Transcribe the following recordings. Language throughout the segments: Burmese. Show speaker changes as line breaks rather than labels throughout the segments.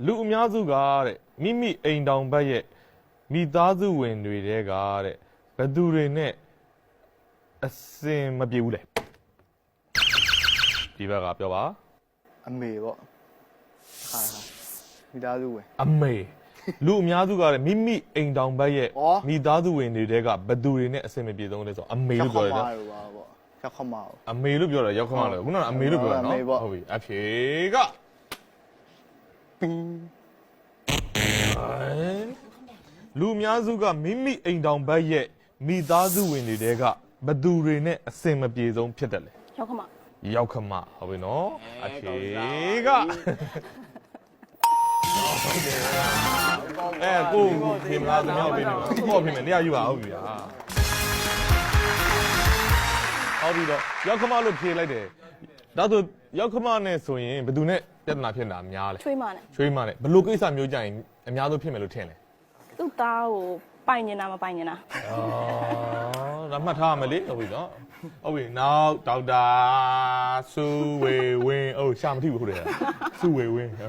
လူအများစုကတဲ့မိမိအိမ်တောင်ဘက်ရဲ့မိသားစုဝင်တွေတဲကတဲ့ဘယ်သူတွေနဲ့အစင်မပြေဘူးလေဒီဘက်ကပြောပါ
အမေပေါ့ဟာမိသားစုဝင်
အမေလူအများစုကတဲ့မိမိအိမ်တောင်ဘက်ရဲ့မိသားစုဝင်တွေတဲကဘယ်သူတွေနဲ့အစင်မပြေဆုံးလဲဆိုအမေလို့ပြောတယ်နော်
ရောက်ခမပေါ့
အမေလို့ပြောတယ်ရောက်ခမလို့ခုနကအမေလို့ပြောတာနော်ဟုတ်ပြီအဖြေကလူအများစုကမိမိအိမ်တောင်ဘက်ရဲ့မိသားစုဝင်တွေတဲကဘယ်သူတွေနဲ့အစင်မပြေဆုံးဖြစ်တယ်လေ
ရောက်ခမ
ရောက်ခမဟုတ်ပြီနော်အဖြေကကိုပြင်လာသမျှပြင်နေပေါ့ပြင်မယ်တရားယူပါဟုတ်ပြီဟုတ်ပြီတော့ရောက်ခမလို့ဖြေလိုက်တယ်ဒါဆိုရောက်ခမနဲ့ဆိုရင်ဘယ်သူနဲ့ပြဿနာဖြစ်တာများလဲ
ချွေးမနဲ့
ချွေးမနဲ့ဘလို့ကိစ္စမျိုးကြရင်အများဆုံးဖြစ်မယ်လို့ထင်လဲ
သူ့သားကိုပိုင်နေတာမပိုင်နေတာ
ဒါမှတ်ထားရမယ်လေဟုတ်ပြီနော်ဟုတ်ပြီနောက်ဒေါက်တာစုဝေဝင်းရှာမထိဘူးဟုတ်တယ်စုဝေဝင်း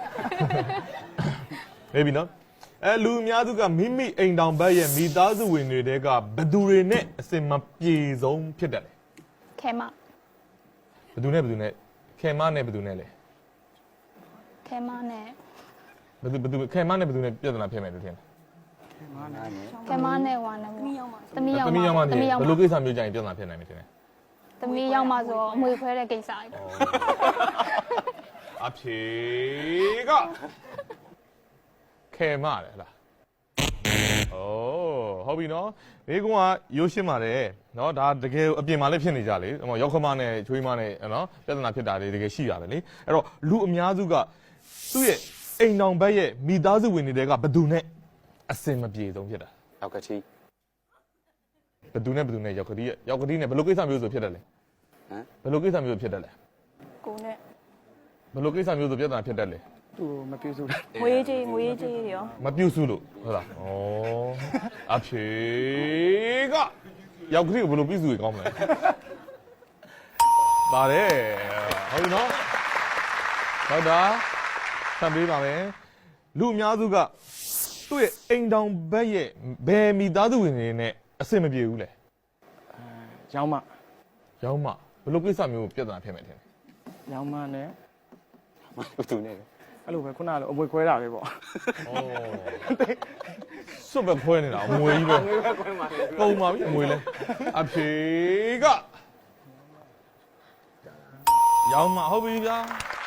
နေပြီနော်လူအများစုကမိမိအိမ်တောင်ဘက်ရဲ့မိသားစုဝင်တွေတဲကဘယ်သူတွေနဲ့အစင်မပြေဆုံးဖြစ်တယ်လဲ
ခဲမ
ဘယ်သူနဲ့ခဲမနဲ့ဘယ်သူနဲ့လဲ
ခဲမနဲ့
ဘယ်သူခဲမနဲ့ဘယ်သူနဲ့ပြဿနာဖြစ်မယ်လို့ထင်လဲ
ခဲမနဲ့ဝါနဲ့သမီးရောက်မှာ
ဘယ်လိုကိစ္စမျိုးကြရင်ပြဿနာဖြစ်နိုင်မယ်ထင်လဲ
သမီးရောက်မှာဆိုအမွေခွဲတဲ့ကိစ္စကြီး
အဖြေကခဲမတယ်လားဟုတ်ပြီနော်ဒီကောင်ကရိုးရှင်းပါတယ်နော်ဒါတကယ်အပြင်မှာလည်းဖြစ်နေကြလေရောက်ခမနဲ့ချွေးမနဲ့နော်ပြဿနာဖြစ်တာတွေတကယ်ရှိရတယ်လေအဲ့တော့လူအများစုကသူ့ရဲ့အိမ်တောင်ဘက်ရဲ့မိသားစုဝင်တွေကဘယ်သူနဲ့အစင်မပြေဆုံးဖြစ်တာ
ရောက်ကတိ
ဘယ်သူနဲ့ရောက်ကတိနဲ့ဘယ်လိုကိစ္စမျိုးဆိုဖြစ်တယ်လဲဘယ်လိုကိစ္စမျိုးဖြစ်တယ်လဲ
ကိုနဲ့
ဘယ်လိုကိစ္စမျိုးဆိုပြဿနာဖြစ်တယ်လဲ
သူမပြုစု
ငွေကြေးတွေရော
မပြုစုလို့ဟုတ်လားအဖြေကရောက်ကတိကိုဘယ်လိုပြုစုရကောင်းမလဲပါတယ်ဟုတ်ပြီနော်ဟုတ်တာဆံပေးပါမယ်လူအများစုကသူ့ရဲ့အိမ်တောင်ဘက်ရဲ့ဘယ်မိသားစုဝင်တွေနဲ့အဆင်မပြေဘူးလဲ
ရောင်းမ
ဘယ်လိုကိစ္စမျိုးပြဿနာဖြစ်မယ်ထင်လဲ
ရောင်းမနဲ့သူနဲ့အဲ့လိုပဲခုနကအမွေခွဲတာပဲပေါ့
စွတ်ပဲခွဲနေတာအမွေကြီးပဲပုံပါပြီအမွေလဲအဖြေကရောင်းမဟုတ်ပြီဗျာ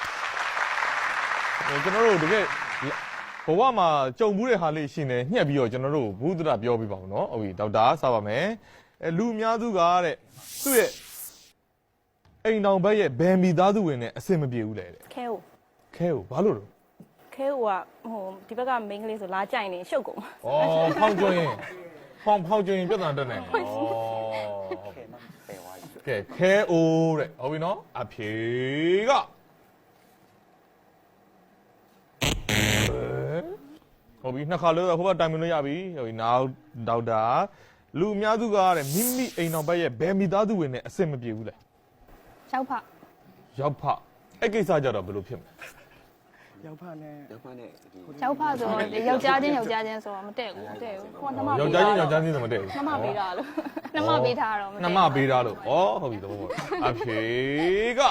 ကျွန်တော်တို့တကယ်ဘဝမှာကြုံမှုတဲ့ဟာလေးရှင်နေညှက်ပြီးတော့ကျွန်တော်တို့ဘုဒ္ဓတာပြောပြပါဦးနော်ဟုတ်ပြီဒေါက်တာစပါမယ်လူအများစုကတဲ့သူ့ရဲ့အိမ်တောင်ဘက်ရဲ့ဘယ်မိသားစုဝင်နဲ့အဆင်မပြေဘူးလေတဲ့
ခဲ
ဘာလို့လဲ
ခဲကဒီဘက်ကမိန်းကလေးဆိုလာကြိုင်နေရှုပ်ကုန်
ဖောင်းကျွင်းပြဿနာတက်နေကဲခဲအိုးတဲ့ဟုတ်ပြီနော်အဖြေကဟုတ်ပြီနှစ်ခါလို့ဟိုဘက်တိုင်မလို့ရပြီဟုတ်ပြီနောက်ဒေါက်တာလူအများစုကတဲ့မိမိအိမ်တော်ဘက်ရဲ့ဘယ်မိသားစုဝင်နဲ့အဆင်မပြေဘူးလဲ
ရောက်ဖ
အဲ့ကိစ္စကြတော့ဘယ်လိုဖြစ်မလဲ
ရောက်ဖနဲ့
ရောက်ဖဆိုယောက်ျားချင်းဆိုတော့မတည့်ဘူးဟိုနှမ
ယောက်ျားချင်းဆိုမတည့်ဘူး
နှမပေးတာလို့နှမပေးထားတော့
နှမပေးထားလို့ဟုတ်ပြီတော့အဖြေက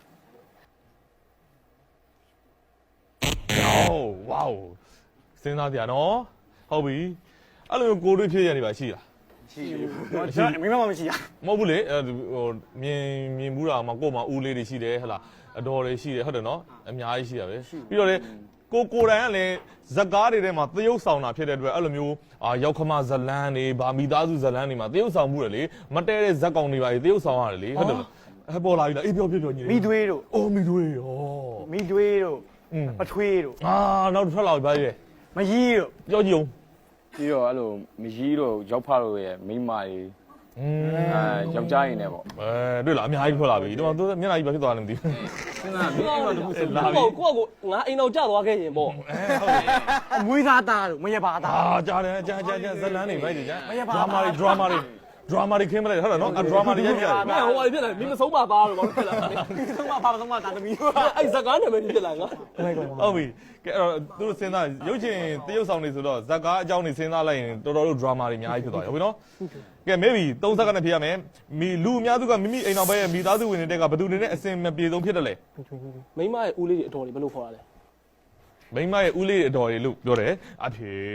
ဝေါစဉ်းစားကြနော်ဟုတ်ပြီအဲ့လိုကိုတွေးဖြစ်ရနေပါရှိလား
ရှိဘူးမိမမရှိရ
မဟုတ်ဘူးလေမြင်ဘူးတာမှာကို့မှာဦးလေးတွေရှိတယ်ဟဟလားအတော်တွေရှိတယ်ဟုတ်တယ်နော်အများကြီးရှိတာပဲပြီးတော့လေကိုတိုင်ကလည်းဇက်ကားတွေထဲမှာသရုပ်ဆောင်တာဖြစ်တဲ့အတွက်အဲ့လိုမျိုးရောက်ခမဇလန်းတွေဗာမိသားစုဇလန်းတွေမှာသရုပ်ဆောင်မှုတယ်လေမတဲတဲ့ဇက်ကောင်တွေပါလေသရုပ်ဆောင်ရတယ်လေဟုတ်တယ်ပေါ်လာပြီလားအေးပြောညီ
မိသွေးတို့
မိသွေး
တို့ပထွေးတို့
နောက်ထွက်လာပြီပါလေ
မကြီးတို့
ပြောကြည့်အောင်
ပြီးတော့အဲ့လိုမကြီးတို့ရောက်ဖတို့ရဲ့မိမကြီးယောက်ျားရင်းနဲ့ပေါ့
တွေ့လားအများကြီးထွက်လာပြီတော့သူမျက်နှာကြီးပဲဖြစ်သွားတယ်မသိဘူး
စဉ်းစားမင်းအိမ်မှာတခုစဉ်းစား
ကိုငါအိမ်တော်ကြသွားခဲ့ရင်ပေါ့
ဟုတ်တယ်
အမွေးသားသားတို့မရပါသား
ကြားတယ်ကြားဇလန်းနေပဲကြာမရပါဒရာမာတွေ drama တွေခင်းမလိုက်ဟုတ်တယ်နော်အ drama တွေရိုက်ပြတယ်
မင်းဟိုအဖြစ်တယ်မင်းမဆုံးပါပါလို့ဘာလို့ဖြစ်လာလဲဆုံးပါပါဆုံးပါတာသမီးအဲ့ဇကားနာမည်ဖြစ်လာငါ
ဟုတ်ပြီကဲအဲ့တော့သူတို့စဉ်းစားရုပ်ရှင်တရုပ်ဆောင်တွေဆိုတော့ဇက်ကားအကြောင်းတွေစဉ်းစားလိုက်ရင်တော်တော်လေး drama တွေအများကြီးဖြစ်သွားတယ်ဟုတ်ပြီနော်ကဲ maybe 3 စက္ကန့်နဲ့ဖြေရမယ်လူအများစုကမိမိအိမ်တော်ဘက်ရဲ့မိသားစုဝင်တွေကဘယ်သူတွေနဲ့အစင်မပြေဆုံးဖြစ်တယ်လဲ
မိမရဲ့ဦးလေးတွေအတော်တွေဘယ်လိုခေါ်ရလဲ
မိမရဲ့ဦးလေးအတော်တွေလို့ပြောတယ်အဖြေ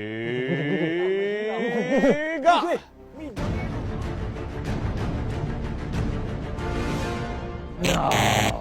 က